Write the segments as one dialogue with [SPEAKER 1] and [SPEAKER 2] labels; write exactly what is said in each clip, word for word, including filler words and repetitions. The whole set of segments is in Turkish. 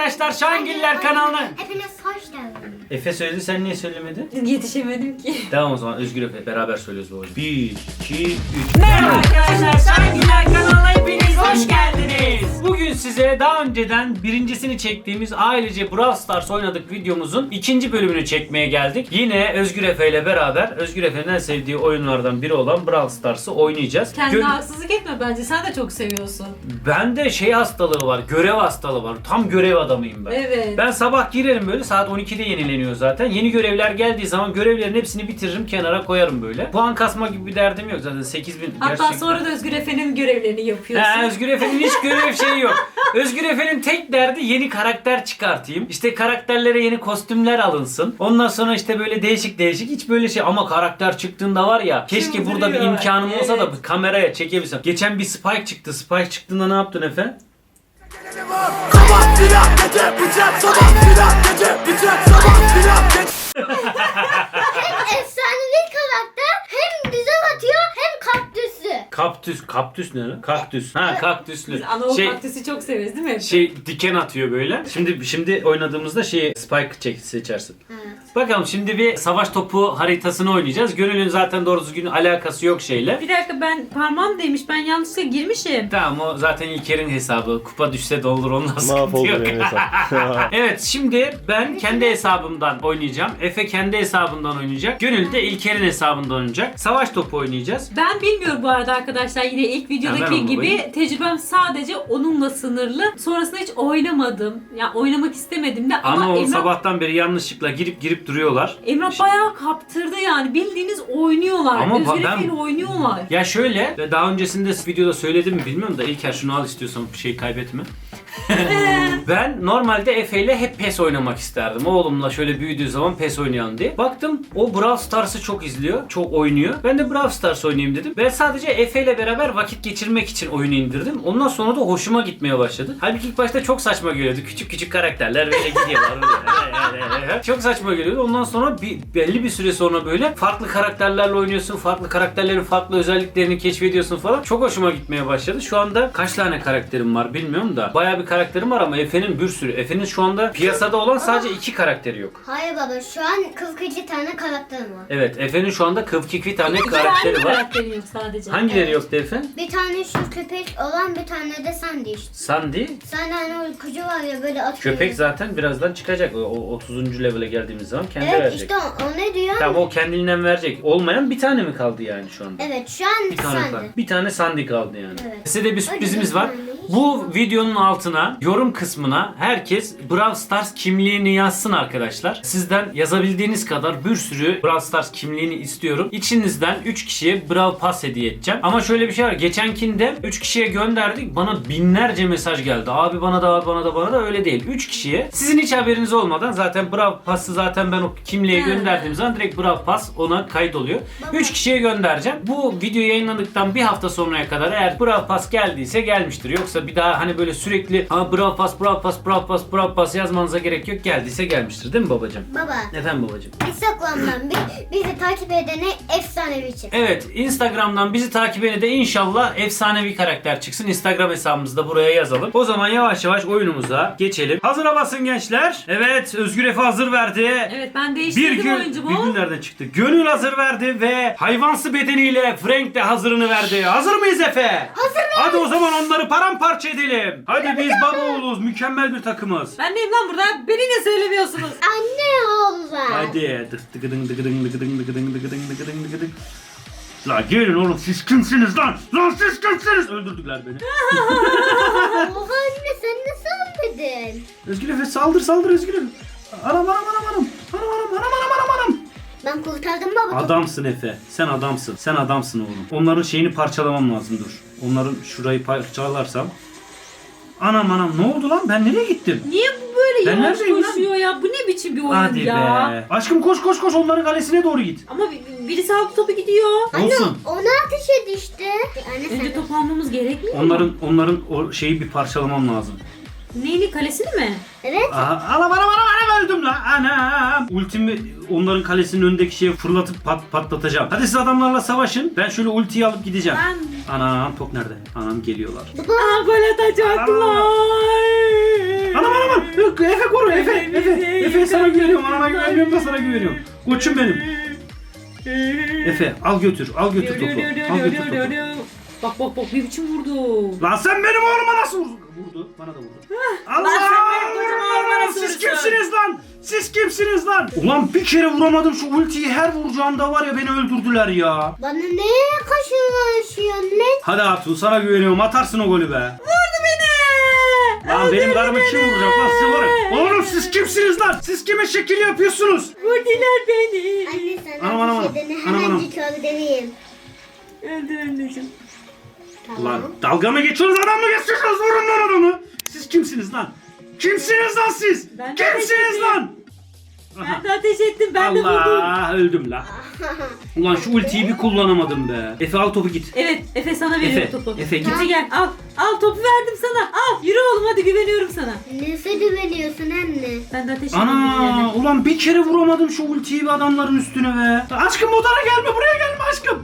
[SPEAKER 1] arkadaşlar, Şahingiller kanalına.
[SPEAKER 2] Hepiniz hoş geldiniz.
[SPEAKER 1] Efe söyledi, sen niye söylemedin?
[SPEAKER 3] Yetişemedim ki.
[SPEAKER 1] Tamam o zaman Özgür Efe beraber söylüyoruz bu oyunu. bir, iki, üç.
[SPEAKER 3] Merhaba arkadaşlar, Şahingiller kanalına hepiniz hoş geldiniz.
[SPEAKER 1] Bugün size daha önceden birincisini çektiğimiz ailece Brawl Stars oynadık videomuzun ikinci bölümünü çekmeye geldik. Yine Özgür Efe ile beraber Özgür Efe'nin en sevdiği oyunlardan biri olan Brawl Stars'ı oynayacağız.
[SPEAKER 3] Kendine
[SPEAKER 1] Gö-
[SPEAKER 3] haksızlık etme, bence sen de çok seviyorsun.
[SPEAKER 1] Bende şey hastalığı var, görev hastalığı var. Tam görev adamıyım ben.
[SPEAKER 3] Evet.
[SPEAKER 1] Ben sabah girerim böyle, saat on ikide yenileniyor zaten. Yeni görevler geldiği zaman görevlerin hepsini bitiririm, kenara koyarım böyle. Puan kasma gibi bir derdim yok zaten, sekiz bin.
[SPEAKER 3] Hatta
[SPEAKER 1] gerçekten.
[SPEAKER 3] sonra da Özgür Efe'nin görevlerini yapıyorsun.
[SPEAKER 1] He, Özgür Efe'nin hiç görev şeyi yok. Özgür Efe'nin tek derdi yeni karakter çıkartayım. İşte karakterlere yeni kostümler alınsın. Ondan sonra işte böyle değişik değişik, hiç böyle şey, ama karakter çıktığında var ya, keşke burada bir
[SPEAKER 3] Çıldırıyor.
[SPEAKER 1] imkanım olsa
[SPEAKER 3] Evet.
[SPEAKER 1] da bir kameraya çekebilsem. Geçen bir Spike çıktı. Spike çıktığında ne yaptın Efe?
[SPEAKER 4] Sabah silah gece bıçak, sabah silah gece bıçak, sabah silah gece.
[SPEAKER 2] Hem efsanevi karakter, hem güzel atıyor, hem kaktüsü.
[SPEAKER 1] Kaktüs, kaktüs ne lan? Kaktüs. Ha, kaktüslü.
[SPEAKER 3] Biz anaokul
[SPEAKER 1] Şey,
[SPEAKER 3] kaktüsü çok severiz değil mi?
[SPEAKER 1] şey diken atıyor böyle. Şimdi şimdi oynadığımızda şeyi Spike çek seçersin.
[SPEAKER 2] Evet.
[SPEAKER 1] Bakalım şimdi bir savaş topu haritasını oynayacağız. Gönül'ün zaten doğru düzgün alakası yok şeyle.
[SPEAKER 3] Bir dakika, ben parmağım değmiş, ben yanlışlıkla girmişim.
[SPEAKER 1] Tamam, o zaten İlker'in hesabı. Kupa düşse de olur, ondan sıkıntı
[SPEAKER 5] Mahvoldu
[SPEAKER 1] yok.
[SPEAKER 5] benim hesap.
[SPEAKER 1] Evet, şimdi ben kendi hesabımdan oynayacağım. Efe kendi hesabından oynayacak. Gönül de İlker'in hesabından oynayacak. Savaş topu oynayacağız.
[SPEAKER 3] Ben bilmiyorum bu arada arkadaşlar, yine ilk
[SPEAKER 1] Ha,
[SPEAKER 3] videodaki
[SPEAKER 1] ver onu
[SPEAKER 3] gibi
[SPEAKER 1] bakayım.
[SPEAKER 3] tecrübem sadece onunla sınırlı. Sonrasında hiç oynamadım. Ya yani oynamak istemedim de ama,
[SPEAKER 1] Ama o
[SPEAKER 3] Emrah,
[SPEAKER 1] sabahtan beri yanlışlıkla girip girip duruyorlar.
[SPEAKER 3] Emrah bayağı kaptırdı yani, bildiğiniz oynuyorlar.
[SPEAKER 1] Ama
[SPEAKER 3] Özgür
[SPEAKER 1] ben-
[SPEAKER 3] Efe'yle oynuyorlar.
[SPEAKER 1] Ya şöyle, ve daha öncesinde videoda söyledim mi bilmiyorum da, İlker şunu al istiyorsan, bir şey kaybetme. Ben normalde Efe ile hep PES oynamak isterdim. Oğlumla şöyle büyüdüğü zaman PES oynayalım diye. Baktım o Brawl Stars'ı çok izliyor, çok oynuyor. Ben de Brawl Stars oynayayım dedim. Ben sadece Efe ile beraber vakit geçirmek için oyunu indirdim. Ondan sonra da hoşuma gitmeye başladı. Halbuki ilk başta çok saçma geliyordu. Küçük küçük karakterler böyle gidiyorlar. Çok saçma geliyordu. Ondan sonra bir, belli bir süre sonra böyle farklı karakterlerle oynuyorsun. Farklı karakterlerin farklı özelliklerini keşfediyorsun falan. Çok hoşuma gitmeye başladı. Şu anda kaç tane karakterim var bilmiyorum da. Bayağı bir karakterim var ama Efe'nin bir sürü. Efe'nin şu anda piyasada olan sadece iki karakteri yok.
[SPEAKER 2] Hayır baba, şu an kırk iki tane karakterim var.
[SPEAKER 1] Evet, Efe'nin şu anda kırk iki tane
[SPEAKER 3] İki tane
[SPEAKER 1] karakteri var.
[SPEAKER 3] karakteri yok sadece.
[SPEAKER 1] Hangileri
[SPEAKER 2] Evet.
[SPEAKER 1] yoktu Efe?
[SPEAKER 2] Bir tane şu köpek olan, bir tane de Sandy işte.
[SPEAKER 1] Sandy.
[SPEAKER 2] Sandy hani uykucu var ya, böyle atıyor.
[SPEAKER 1] Köpek zaten birazdan çıkacak. O o otuzuncu level'e geldiğimiz zaman kendi
[SPEAKER 2] Evet
[SPEAKER 1] verecek.
[SPEAKER 2] işte o, o ne diyor?
[SPEAKER 1] Tamam, o kendinden verecek. Olmayan bir tane mi kaldı yani şu anda?
[SPEAKER 2] Evet şu an
[SPEAKER 1] Bir tane
[SPEAKER 2] Sandy.
[SPEAKER 1] kaldı. Bir tane Sandy kaldı yani.
[SPEAKER 2] Evet.
[SPEAKER 1] Size de bir sürprizimiz
[SPEAKER 2] Öyle
[SPEAKER 1] var.
[SPEAKER 2] bir tane.
[SPEAKER 1] Bu videonun altına, yorum kısmına herkes Brawl Stars kimliğini yazsın arkadaşlar. Sizden yazabildiğiniz kadar bir sürü Brawl Stars kimliğini istiyorum. İçinizden üç kişiye Brawl Pass hediye edeceğim. Ama şöyle bir şey var. Geçenkinde üç kişiye gönderdik. Bana binlerce mesaj geldi. Abi bana da, abi bana da, bana da. Öyle değil. üç kişiye. Sizin hiç haberiniz olmadan zaten Brawl Pass'ı zaten ben o kimliğe
[SPEAKER 3] Ha.
[SPEAKER 1] gönderdiğim zaman direkt Brawl Pass ona kaydoluyor. üç kişiye göndereceğim. Bu video yayınlandıktan bir hafta sonraya kadar eğer Brawl Pass geldiyse gelmiştir. Yoksa bir daha hani böyle sürekli ha Brawl Pass, Brawl Pass, Brawl Pass, Brawl Pass yazmanıza gerek yok. Geldiyse gelmiştir değil mi babacığım?
[SPEAKER 2] Baba,
[SPEAKER 1] Efendim babacığım?
[SPEAKER 2] Instagram'dan bi- bizi takip edene efsanevi çık.
[SPEAKER 1] Evet, Instagram'dan bizi takip edene de inşallah efsanevi karakter çıksın. Instagram hesabımızı da buraya yazalım. O zaman yavaş yavaş oyunumuza geçelim. Hazıra basın gençler. Evet, Özgür Efe hazır verdi.
[SPEAKER 3] Evet, ben
[SPEAKER 1] Bir
[SPEAKER 3] değiştirdim
[SPEAKER 1] gün,
[SPEAKER 3] oyuncumu.
[SPEAKER 1] bir gün nereden çıktı? Gönül hazır verdi ve hayvansı bedeniyle Frank de hazırını verdi. Hazır mıyız Efe?
[SPEAKER 2] Hazırım.
[SPEAKER 1] Hadi o zaman onları paramparça edelim. Hadi biz baba oğluz, mükemmel bir takımız.
[SPEAKER 3] Ben neyim lan burada? Beni ne söylemiyorsunuz?
[SPEAKER 2] Anne oğlu.
[SPEAKER 1] Hadi. Dık dıgıdın dıgıdın dıgıdın dıgıdın dıgıdın dıgıdın dıgıdın. La gelin oğlum, siz kimsiniz lan? Lan siz kimsiniz? Öldürdüler beni.
[SPEAKER 2] Oha anne, sen nasıl anladın?
[SPEAKER 1] Özgür Efe saldır saldır Özgür Efe. Anam anam anam anam. Anam anam anam anam anam anam.
[SPEAKER 2] Ben kurtardım baba.
[SPEAKER 1] Adamsın Efe. Sen adamsın. Sen adamsın oğlum. Onların şeyini parçalamam lazım, dur. Onların şurayı parçalarsam. Anam anam, ne oldu lan? Ben nereye gittim?
[SPEAKER 3] Niye bu böyle
[SPEAKER 1] Ben
[SPEAKER 3] yavaş
[SPEAKER 1] neredeyim lan?
[SPEAKER 3] koşuyor ya? Bu ne biçim bir oyun
[SPEAKER 1] Hadi
[SPEAKER 3] ya?
[SPEAKER 1] be. Aşkım koş koş koş, onların kalesine doğru git.
[SPEAKER 3] Ama bir- birisi aldı topu gidiyor.
[SPEAKER 2] Anne
[SPEAKER 1] Olsun.
[SPEAKER 2] ona ateş et işte. Anne sen
[SPEAKER 3] Önce top almamız gerekmiyor mu?
[SPEAKER 1] Onların onların o şeyi bir parçalamam lazım.
[SPEAKER 3] Neyli, kalesini mi?
[SPEAKER 2] Evet.
[SPEAKER 1] Aha, anam anam anam anam öldüm lan. Anam. Ultimi onların kalesinin önündeki şeye fırlatıp pat, patlatacağım. Hadi siz adamlarla savaşın. Ben şöyle ultiyi alıp gideceğim.
[SPEAKER 3] Ben...
[SPEAKER 1] Anam, top nerede? Anam geliyorlar.
[SPEAKER 3] Aa, gol atacaklar.
[SPEAKER 1] Anam anam anam. Yok, Efe koru Efe. Efe. Efe sana güveniyorum. Anana güvenmiyorum da sana güveniyorum. Koçum benim. Efe al götür. Al götür topu. Al götür topu.
[SPEAKER 3] Bak bak bak bir biçim vurdu.
[SPEAKER 1] Lan sen benim oğluma nasıl vurdun? Vurdu. Bana da vurdu. Allah!
[SPEAKER 3] Lan sen benim kocama oğluma nasıl
[SPEAKER 1] Siz
[SPEAKER 3] vurursun?
[SPEAKER 1] kimsiniz lan? Siz kimsiniz lan? Ulan bir kere vuramadım şu ultiyi, her vuracağımda var ya beni öldürdüler ya.
[SPEAKER 2] Bana ne kaşınlaşıyorsun lan?
[SPEAKER 1] Hadi Hatun sana güveniyorum, atarsın o golü be.
[SPEAKER 3] Vurdu beni.
[SPEAKER 1] Lan benim
[SPEAKER 3] Öldürdü
[SPEAKER 1] karımı kim
[SPEAKER 3] beni.
[SPEAKER 1] vuracak lan, siz var ya. Oğlum siz kimsiniz lan? Siz kime şekil yapıyorsunuz?
[SPEAKER 3] Vurdular beni.
[SPEAKER 2] Anne sana
[SPEAKER 1] Anam, anam,
[SPEAKER 2] bir şey dene.
[SPEAKER 1] anam, anam.
[SPEAKER 2] Hemencik öyle deneyim.
[SPEAKER 3] Öldü anneciğim.
[SPEAKER 2] Tamam.
[SPEAKER 1] Lan dalga mı geçiyorsunuz, adam mı geçiyorsunuz? Vurun lan adamı. Siz kimsiniz lan? Kimsiniz lan siz?
[SPEAKER 3] Ben de
[SPEAKER 1] Kimsiniz
[SPEAKER 3] ateş
[SPEAKER 1] lan?
[SPEAKER 3] Ben de ateş ettim. Ben de vurdum.
[SPEAKER 1] Allah, öldüm lan. Ulan şu ultiyi bir kullanamadım be. Efe al topu git.
[SPEAKER 3] Evet Efe sana veriyorum
[SPEAKER 1] Efe,
[SPEAKER 3] topu.
[SPEAKER 1] Efe, git.
[SPEAKER 3] Hadi gel al. Al topu verdim sana. Al. Yürü oğlum hadi güveniyorum sana.
[SPEAKER 2] Neyse güveniyorsun anne.
[SPEAKER 3] Ben de ateş ettim.
[SPEAKER 1] Ana ulan bir kere vuramadım şu ultiyi bir adamların üstüne be. Aşkım odana gelme, buraya gelme aşkım.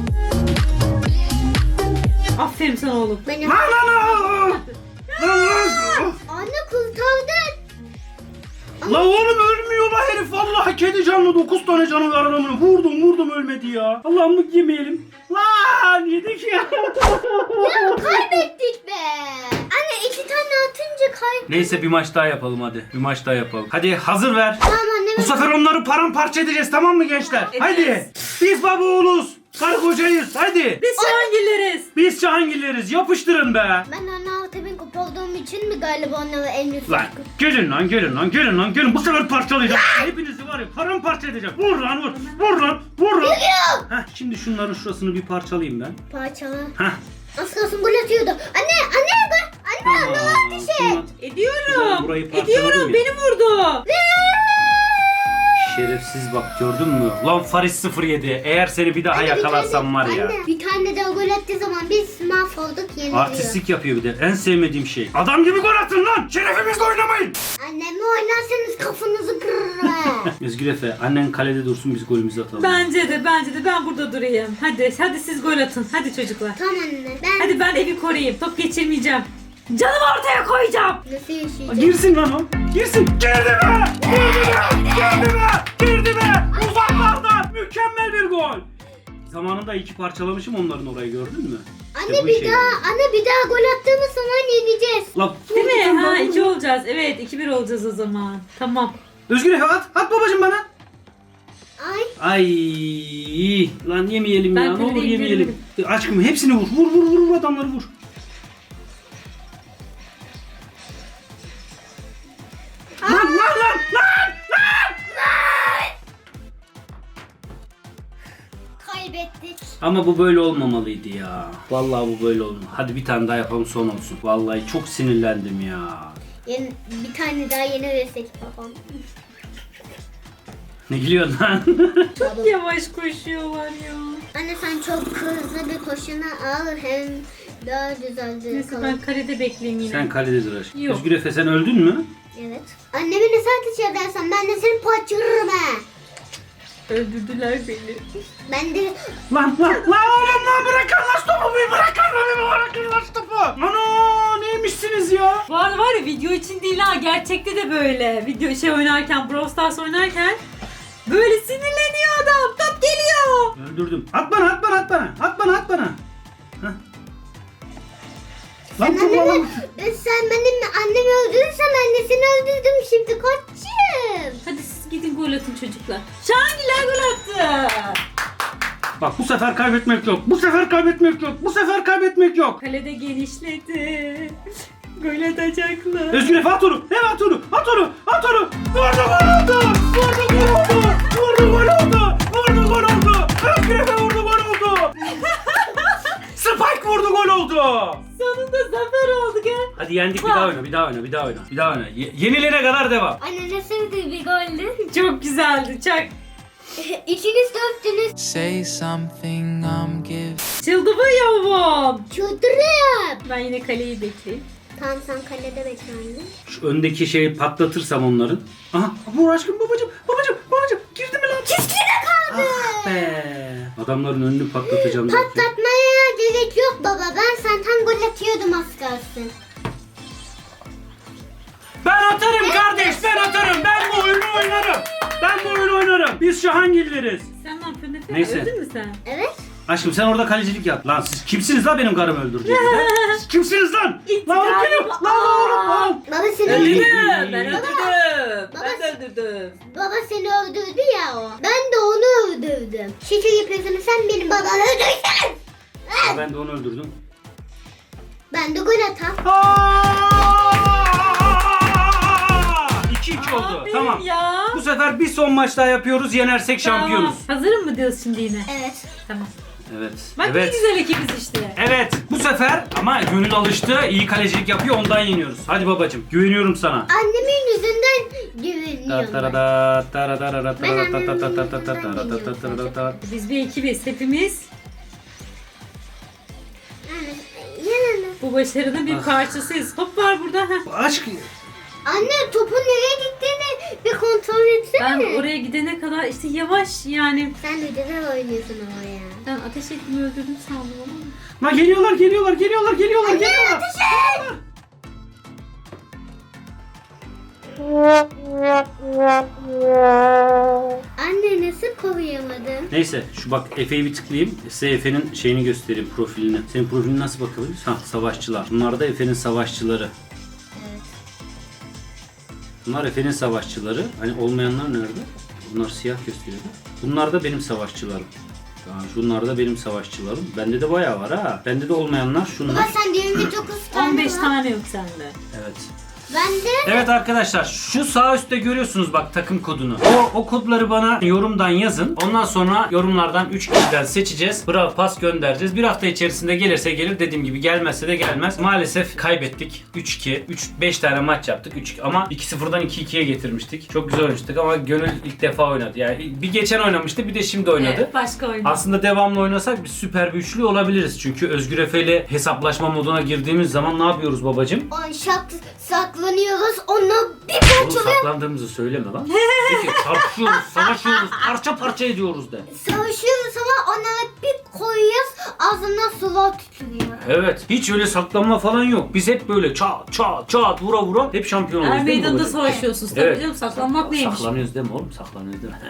[SPEAKER 3] Aferin sana oğlum.
[SPEAKER 2] Ben
[SPEAKER 1] Lan lan lan. Lan lan.
[SPEAKER 2] Anne kurtardın.
[SPEAKER 1] La oğlum ölmüyor la herif, vallahi kedi canlı, dokuz tane canı var adamın. Vurdum vurdum ölmedi ya. Allah'ım bu yemeyelim. Lan yedik ya.
[SPEAKER 2] Ya kaybettik be. Anne iki tane atınca kay.
[SPEAKER 1] Neyse bir maç daha yapalım hadi. Bir maç daha yapalım. Hadi hazır ver.
[SPEAKER 2] Tamam anne.
[SPEAKER 1] Bu sefer onları paramparça edeceğiz, tamam mı gençler?
[SPEAKER 3] Evet.
[SPEAKER 1] Hadi. Biz baba oğluz. Karı kocayız. Hadi.
[SPEAKER 3] Biz Şahangilleriz.
[SPEAKER 1] Biz Cihangirleriz. Yapıştırın be.
[SPEAKER 2] Ben anne altı bin kupa olduğum için mi galiba onları en üst
[SPEAKER 1] Lan gelin lan gelin lan gelin lan gelin. Bu sefer parçalayacağım. Hepinizi var ya paramparça edeceğim. Vur lan vur. Vur lan vur lan. Heh, şimdi şunların şurasını bir parçalayayım ben.
[SPEAKER 2] parçalı.
[SPEAKER 1] Heh.
[SPEAKER 2] Az kalsın gol atıyordu. Anne anne gol. Anne anne
[SPEAKER 1] Tamam,
[SPEAKER 2] ateş et.
[SPEAKER 1] tamam.
[SPEAKER 3] Ediyorum.
[SPEAKER 1] Burayı parçaladım
[SPEAKER 3] Ediyorum.
[SPEAKER 1] ya.
[SPEAKER 3] Beni vurdu.
[SPEAKER 1] Şerefsiz bak, gördün mü? Lan Faris sıfır yedi. Eğer seni bir daha
[SPEAKER 2] Anne, bir
[SPEAKER 1] yakalarsam
[SPEAKER 2] tane-
[SPEAKER 1] var ya.
[SPEAKER 2] Anne bir tane daha gol attığı zaman biz mahvolduk yeniliyor.
[SPEAKER 1] Artistlik yapıyor bir de. En sevmediğim şey. Adam gibi gol atın lan. Şerefimizle oynamayın.
[SPEAKER 2] Annemle oynarsanız kafanızı kırırım. ha.
[SPEAKER 1] Özgür Efe, annen kalede dursun, biz golümüzü atalım.
[SPEAKER 3] Bence de bence de ben burada durayım. Hadi hadi siz gol atın. Hadi çocuklar.
[SPEAKER 2] Tamam anne ben
[SPEAKER 3] Hadi ben evi koruyayım. Top geçirmeyeceğim. Canımı ortaya koyacağım.
[SPEAKER 2] nasıl yaşayacağım?
[SPEAKER 1] Girsin lan o. Girsin. Girdi be. Girdi be. Girdi be. Girdi be. Uzaklardan. Mükemmel bir gol. Zamanında iki parçalamışım onların orayı, gördün mü?
[SPEAKER 2] Anne
[SPEAKER 1] İşte bu
[SPEAKER 2] bir
[SPEAKER 1] işe
[SPEAKER 2] daha
[SPEAKER 1] yarıyor.
[SPEAKER 2] anne bir daha gol attığımız zaman yeneceğiz.
[SPEAKER 1] La,
[SPEAKER 3] Değil mi? Ha iki olacağız. Evet iki bir olacağız o zaman. Tamam.
[SPEAKER 1] Özgür Efe at. At babacım bana.
[SPEAKER 2] Ay
[SPEAKER 1] Ay lan yemeyelim
[SPEAKER 3] Ben
[SPEAKER 1] ya. Ne olur
[SPEAKER 3] kaledeyim,
[SPEAKER 1] yemeyelim. Aşkım hepsini vur. Vur vur vur, vur adamları vur. Lan lan lan lan lan.
[SPEAKER 2] kaybettik.
[SPEAKER 1] Ama bu böyle olmamalıydı ya. Vallahi bu böyle olmalı. Hadi bir tane daha yapalım, son olsun. Vallahi çok sinirlendim ya.
[SPEAKER 2] Yeni, bir tane daha yeni versek babam.
[SPEAKER 1] Ne gülüyorsun lan?
[SPEAKER 3] Çok yavaş koşuyorlar ya.
[SPEAKER 2] Anne sen çok hızlı bir koşuna al hem daha güzeldir.
[SPEAKER 3] Neyse
[SPEAKER 2] kalır.
[SPEAKER 3] ben kalede bekleyeyim yine.
[SPEAKER 1] Sen kalede dur aşkım.
[SPEAKER 3] Yok.
[SPEAKER 1] Özgür Efe sen öldün mü?
[SPEAKER 2] Evet. Annemi ne saat edersen ben de seni parçalırım ha.
[SPEAKER 3] Öldürdüler beni.
[SPEAKER 2] Ben de
[SPEAKER 1] Lan lan lan oğlum lan, bırakın lan topu, bir bırakın lan, bir bırakın lan topu. Ana neymişsiniz ya?
[SPEAKER 3] Bu arada var ya video için değil ha, gerçekte de böyle. Video şey oynarken, Brawl Stars oynarken böyle sinirleniyor adam. Top geliyor.
[SPEAKER 1] Öldürdüm. At bana at bana at bana. At bana at bana. Heh. Lan
[SPEAKER 2] sen
[SPEAKER 1] topu
[SPEAKER 2] annemi,
[SPEAKER 1] alalım.
[SPEAKER 2] sen benim annemi öldürürsen ben de seni öldürdüm şimdi koçum.
[SPEAKER 3] Hadi siz gidin gol atın çocuklar. Şahangiler gol attı.
[SPEAKER 1] Bak bu sefer kaybetmek yok. Bu sefer kaybetmek yok. Bu sefer kaybetmek yok.
[SPEAKER 3] Kalede genişledi. Gol atacaklar.
[SPEAKER 1] Özgür Efe at onu. Evet at onu. At onu. At onu. Vurdu gol oldu. Vurdu gol oldu. Vurdu gol oldu. Vurdu gol oldu. Özgür Efe vurdu gol oldu. Spike vurdu gol oldu.
[SPEAKER 3] Sonunda zafer oldu gel.
[SPEAKER 1] Hadi yendik, bir daha oyna, bir daha oyna, bir daha oyna. Bir daha oyna. Ye- yenilene kadar devam.
[SPEAKER 2] Anne ne sevdiği bir goldü.
[SPEAKER 3] Çok güzeldi. Çak.
[SPEAKER 2] İkiniz de öptünüz.
[SPEAKER 5] Say something, I'm giving.
[SPEAKER 3] Çıldırıyorum.
[SPEAKER 2] Çıldırıyorum.
[SPEAKER 3] Ben yine kaleyi bekleyeyim.
[SPEAKER 2] Tamam sen kalede bekle anne.
[SPEAKER 1] Şu öndeki şeyi patlatırsam onların. Aha, vur aşkım babacım, babacım, babacım. Girdi mi lan?
[SPEAKER 2] Çizgide kaldı.
[SPEAKER 1] Ah be. Adamların önünü patlatacağım. belki.
[SPEAKER 2] Patlatmaya gerek yok baba. Ben zaten gol atıyordum az kalsın.
[SPEAKER 1] Ben atarım kardeşim. Ben bu oyunu oynarım. Biz Şahangilleriz.
[SPEAKER 3] Sen ne yapıyorsun Efe?
[SPEAKER 1] Neyse.
[SPEAKER 3] Öldün mü sen?
[SPEAKER 2] Evet.
[SPEAKER 1] Aşkım sen orada kalecilik yap. Lan siz kimsiniz lan benim karımı öldüreceğiniz? Siz kimsiniz lan? Lan oğlum geliyor. Lan oğlum lan.
[SPEAKER 2] Baba seni
[SPEAKER 1] Öyle-
[SPEAKER 2] öldürdü.
[SPEAKER 3] Ben öldürdüm.
[SPEAKER 2] Baba-
[SPEAKER 3] Ben de öldürdüm.
[SPEAKER 2] Baba seni öldürdü ya o. Ben de onu öldürdüm. Şekil yapıyorsun sen benim babanı öldürsene.
[SPEAKER 1] Ya ben de onu öldürdüm.
[SPEAKER 2] Ben de gol atam.
[SPEAKER 1] iki iki oldu.
[SPEAKER 3] Abi
[SPEAKER 1] Tamam.
[SPEAKER 3] ya.
[SPEAKER 1] Bu sefer bir son maç daha yapıyoruz. Yenersek şampiyonuz.
[SPEAKER 3] Tamam. Hazırım mı diyorsun şimdi yine?
[SPEAKER 2] Evet.
[SPEAKER 3] Tamam.
[SPEAKER 1] Evet.
[SPEAKER 3] Bak ne
[SPEAKER 1] evet.
[SPEAKER 3] güzel ekibiz işte.
[SPEAKER 1] Evet. Bu sefer ama Gönül alıştı. İyi kalecilik yapıyor. Ondan yeniyoruz. Hadi babacığım. Güveniyorum sana.
[SPEAKER 2] Annemin yüzünden güveniyorum. ben.
[SPEAKER 3] Biz bir ekibiz hepimiz.
[SPEAKER 2] Yanına.
[SPEAKER 3] Bu başarının bir
[SPEAKER 1] Ah.
[SPEAKER 3] parçasıyız. Top var burada. Heh.
[SPEAKER 1] Aşk.
[SPEAKER 2] Anne topun nereye gittiğini bir kontrol etsene.
[SPEAKER 3] Ben oraya gidene kadar işte yavaş yani.
[SPEAKER 2] Sen de güzel oynuyorsun ama ya.
[SPEAKER 3] Ben ateş ettim öldürdüm sandım ama.
[SPEAKER 1] Lan geliyorlar, geliyorlar, geliyorlar, geliyorlar, geliyorlar.
[SPEAKER 2] Anne nasıl koruyamadın?
[SPEAKER 1] Neyse şu bak Efe'yi bir tıklayayım. Size Efe'nin şeyini göstereyim, profilini. Senin profilini nasıl bakabiliriz? Ha, savaşçılar. Bunlar da Efe'nin savaşçıları.
[SPEAKER 2] Evet.
[SPEAKER 1] Bunlar Efe'nin savaşçıları. Hani olmayanlar nerede? Bunlar siyah gösteriyor. Bunlar da benim savaşçılarım. Yani şunlar da benim savaşçılarım. Bende de bayağı var ha. Bende de olmayanlar şunlar.
[SPEAKER 2] Baba sen yirmi dokuz tane
[SPEAKER 3] on beş
[SPEAKER 2] var.
[SPEAKER 3] tane yok sende.
[SPEAKER 1] Evet.
[SPEAKER 2] Ben de
[SPEAKER 1] Evet arkadaşlar şu sağ üstte görüyorsunuz bak takım kodunu. O, o kodları bana yorumdan yazın. Ondan sonra yorumlardan üç kişiden seçeceğiz. Bravo pas göndereceğiz. Bir hafta içerisinde gelirse gelir, dediğim gibi gelmezse de gelmez. Maalesef kaybettik. üç iki. üç beş tane maç yaptık. üç ama iki sıfırdan iki ikiye getirmiştik. Çok güzel oynamıştık ama Gönül ilk defa oynadı. Yani bir geçen oynamıştı, bir de şimdi oynadı.
[SPEAKER 3] Evet, başka oyun.
[SPEAKER 1] Aslında devamlı oynasak biz süper bir üçlü olabiliriz. Çünkü Özgür Efe ile hesaplaşma moduna girdiğimiz zaman ne yapıyoruz babacığım?
[SPEAKER 2] on şak saklanıyoruz. Onu bir
[SPEAKER 1] Oğlum
[SPEAKER 2] parçalıyor.
[SPEAKER 1] saklandığımızı söyleme lan. Peki çarpışıyoruz, savaşıyoruz, parça parça ediyoruz de.
[SPEAKER 2] Savaşıyoruz ama onlara bir koyuyoruz. Ağzından sular tütülüyor.
[SPEAKER 1] Evet, hiç öyle saklanma falan yok. Biz hep böyle çat çat çat vura vura hep şampiyon
[SPEAKER 3] Er
[SPEAKER 1] oluruz değil mi
[SPEAKER 3] meydanda
[SPEAKER 1] babacığım?
[SPEAKER 3] savaşıyorsunuz tabii
[SPEAKER 1] Evet.
[SPEAKER 3] canım. Saklanmak neymiş?
[SPEAKER 1] Saklanıyoruz değil mi oğlum? Saklanıyoruz değil mi?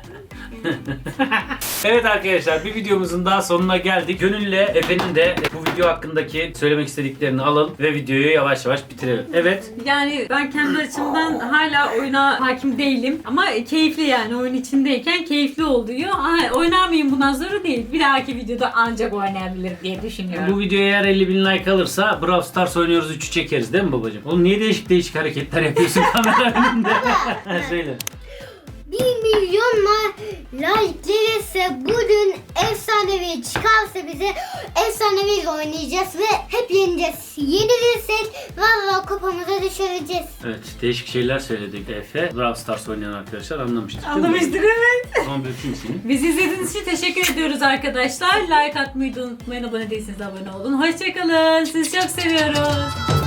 [SPEAKER 1] Evet arkadaşlar, bir videomuzun daha sonuna geldik. Gönül'le Efe'nin de bu video hakkındaki söylemek istediklerini alalım ve videoyu yavaş yavaş bitirelim. Evet.
[SPEAKER 3] Yani ben kendi açımdan hala oyuna hakim değilim. Ama keyifli yani oyun içindeyken keyifli oluyor. Aa, oynar mıyım bundan sonra değil. Bir dahaki videoda ancak oynayabilirim diye düşünüyorum.
[SPEAKER 1] Bu videoya eğer elli bin like alırsa Brawl Stars oynuyoruz üçü çekeriz değil mi babacığım? Oğlum niye değişik değişik hareketler yapıyorsun kamera önünde? Söyle.
[SPEAKER 2] bir milyon like gelirse bugün efsanevi çıkarsa bize efsanevi oynayacağız ve hep yeneceğiz. Yenilirsek valla kupamıza düşüreceğiz.
[SPEAKER 1] Evet, değişik şeyler söyledik Efe. Brawl Stars oynayan arkadaşlar anlamıştır. değil mi?
[SPEAKER 3] Anlamıştık evet.
[SPEAKER 1] O zaman bir öpeyim seni.
[SPEAKER 3] Bizi izlediğiniz için teşekkür ediyoruz arkadaşlar. Like atmayı da unutmayın. Abone değilseniz abone olun. Hoşçakalın. Sizi çok seviyoruz.